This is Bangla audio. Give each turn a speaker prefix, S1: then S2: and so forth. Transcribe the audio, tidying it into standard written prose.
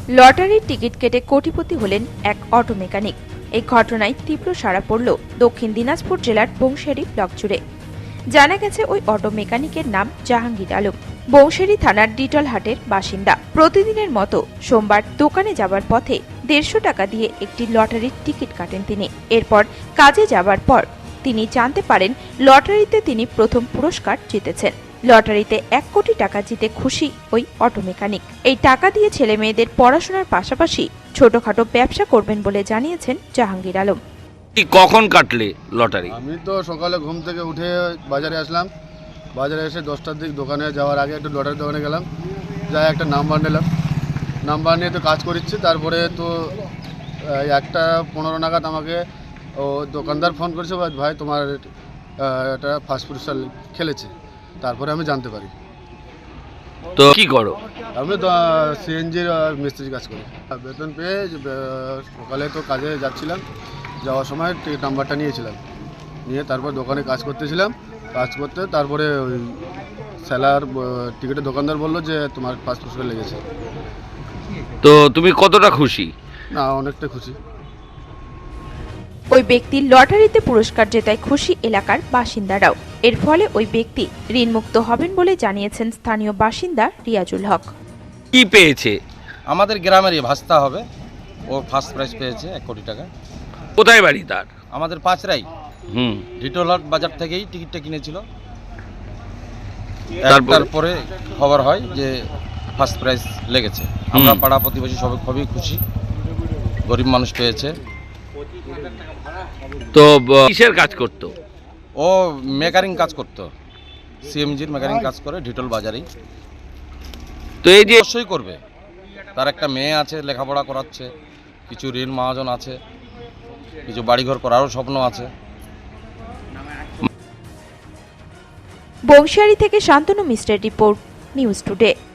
S1: লটারির টিকিট কেটে কোটিপতি হলেন এক অটো মেকানিক। এই ঘটনায় তীব্র সাড়া পড়ল দক্ষিণ দিনাজপুর জেলার বংশেরি ব্লক জুড়ে। জানা গেছে ওই অটো মেকানিকের নাম জাহাঙ্গীর আলম, বংশেরি থানার ডিটলহাটের বাসিন্দা। প্রতিদিনের মতো সোমবার দোকানে যাবার পথে 150 টাকা দিয়ে একটি লটারির টিকিট কাটেন তিনি। এরপর কাজে যাবার পর তিনি জানতে পারেন লটারিতে তিনি প্রথম পুরস্কার জিতেছেন। লটারিতে 1 কোটি টাকা জিতে খুশি ওই অটো মেকানিক। এই টাকা দিয়ে ছেলে মেয়েদের পড়াশোনার পাশাপাশি ছোটখাটো ব্যবসা করবেন বলে জানিয়েছেন জাহাঙ্গীর আলম।
S2: কখন কাটলে লটারি?
S3: আমি তো সকালে ঘুম থেকে উঠে বাজারে আসলাম। বাজারে এসে 10টার দিক দোকানে যাওয়ার আগে একটু লটারির দোকানে গেলাম, যাই একটা নাম্বার নিলাম। নাম্বার নিয়ে তো কাজ করিচ্ছি। তারপরে তো 1:15 নাগাদ আমাকে ও দোকানদার ফোন করেছে, ভাই তোমার এটা ফার্স্ট পুরস্কার খেলেছে। তারপরে আমি জানতে পারি।
S2: তো কি করো?
S3: আমি তো সিএনজির মিস্ত্রির কাজ করি। বেতন পেয়ে সকালে তো কাজে যাচ্ছিলাম, যাওয়ার সময় টিকিট নাম্বারটা নিয়েছিলাম, নিয়ে তারপর দোকানে কাজ করতেছিলাম। কাজ করতে তারপরে ওই সেলার টিকিটের দোকানদার বললো যে তোমার ফার্স্ট পুরস্কার লেগেছে।
S2: তো তুমি কতটা খুশি?
S3: না, অনেকটা খুশি।
S1: ওই ব্যক্তি লটারিতে পুরস্কার জেতায় খুশি এলাকার বাসিন্দারাও। এর ফলে ওই ব্যক্তি ঋণমুক্ত হবেন বলে জানিয়েছেন স্থানীয় বাসিন্দা রিয়াজুল হক।
S2: কি পেয়েছে?
S4: আমাদের গ্রামেরই ভাস্তা হবে, ও ফার্স্ট প্রাইজ পেয়েছে 1 কোটি টাকা।
S2: কোথায় বাড়ি তার?
S4: আমাদের পাঁচরাই
S2: হুম।
S4: ডিটোলার বাজার থেকেই টিকিটটা কিনেছিল।
S2: তারপরে?
S4: তারপরে খবর হয় যে ফার্স্ট প্রাইজ লেগেছে। আমরা পাড়া প্রতিবেশী সবাই খুবই খুশি, গরিব মানুষ পেয়েছে।
S2: তো কিসের কাজ করতো?
S4: ও মেকারিং কাজ করতো, সিএমজির মেকারিং কাজ করে ডিটোল বাজারেই।
S2: তো এই যে
S4: অবশ্যই করবে, তার একটা মেয়ে আছে, লেখাপড়া করাচ্ছে, কিছু ঋণ মহাজন আছে, কিছু বাড়িঘর করারও স্বপ্ন আছে।
S1: বংশিয়ারি থেকে শান্তনু মিশ্রের রিপোর্ট, নিউজ টুডে।